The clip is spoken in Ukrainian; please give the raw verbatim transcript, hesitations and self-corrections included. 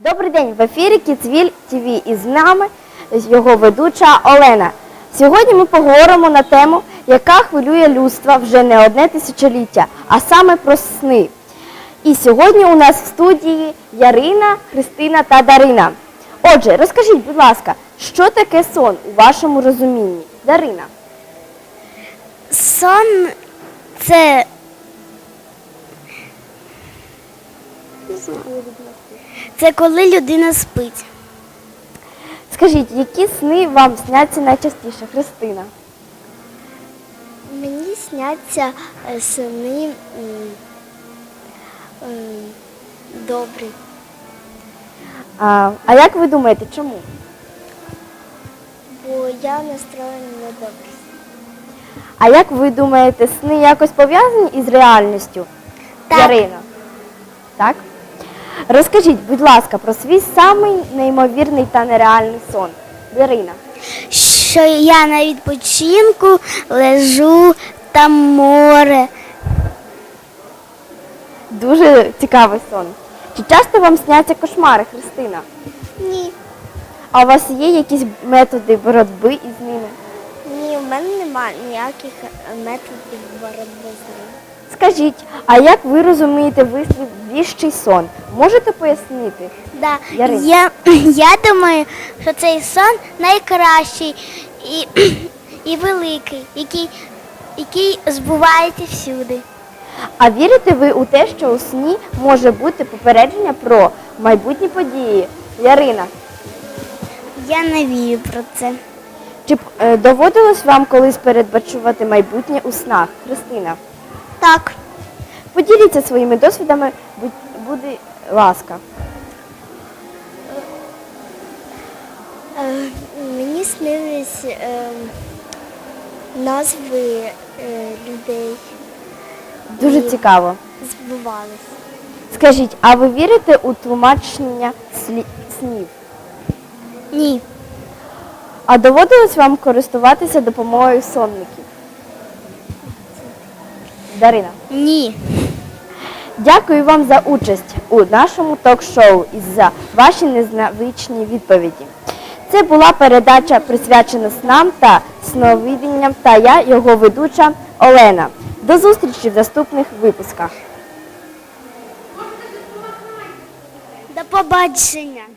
Добрий день, в ефірі Кіцвіль ТВ і з нами його ведуча Олена. Сьогодні ми поговоримо на тему, яка хвилює людство вже не одне тисячоліття, а саме про сни. І сьогодні у нас в студії Ярина, Христина та Дарина. Отже, розкажіть, будь ласка, що таке сон у вашому розумінні? Дарина. Сон – це Це коли людина спить. Скажіть, які сни вам сняться найчастіше, Христина? Мені сняться е, сни м, м, добрі. А, а як ви думаєте, чому? Бо я настроєна на добре. А як ви думаєте, сни якось пов'язані із реальністю? Так. Ярина? Так? Розкажіть, будь ласка, про свій самий неймовірний та нереальний сон. Ярина. Що я на відпочинку лежу, там море. Дуже цікавий сон. Чи часто вам сняться кошмари, Христина? Ні. А у вас є якісь методи боротьби із ними? Ні, в мене немає ніяких методів боротьби з ним. Скажіть, а як ви розумієте вислів «віщий сон»? Можете пояснити? Да. Ярина. Я, я думаю, що цей сон найкращий і, і великий, який, який збувається всюди. А вірите ви у те, що у сні може бути попередження про майбутні події? Ярина, Я не вірю про це. чи б, е, доводилось вам колись передбачувати майбутнє у снах? Христина, Так. поділіться своїми досвідами, будь, буде ласка. Е, мені снились е, назви е, людей. Дуже І цікаво. збувались. Скажіть, а ви вірите у тлумачення слі- снів? Ні. А доводилось вам користуватися допомогою сонників? Дарина. Ні. Дякую вам за участь у нашому ток-шоу і за ваші незвичні відповіді. Це була передача, присвячена снам та сновидінням, та я, його ведуча Олена. До зустрічі в наступних випусках. До побачення.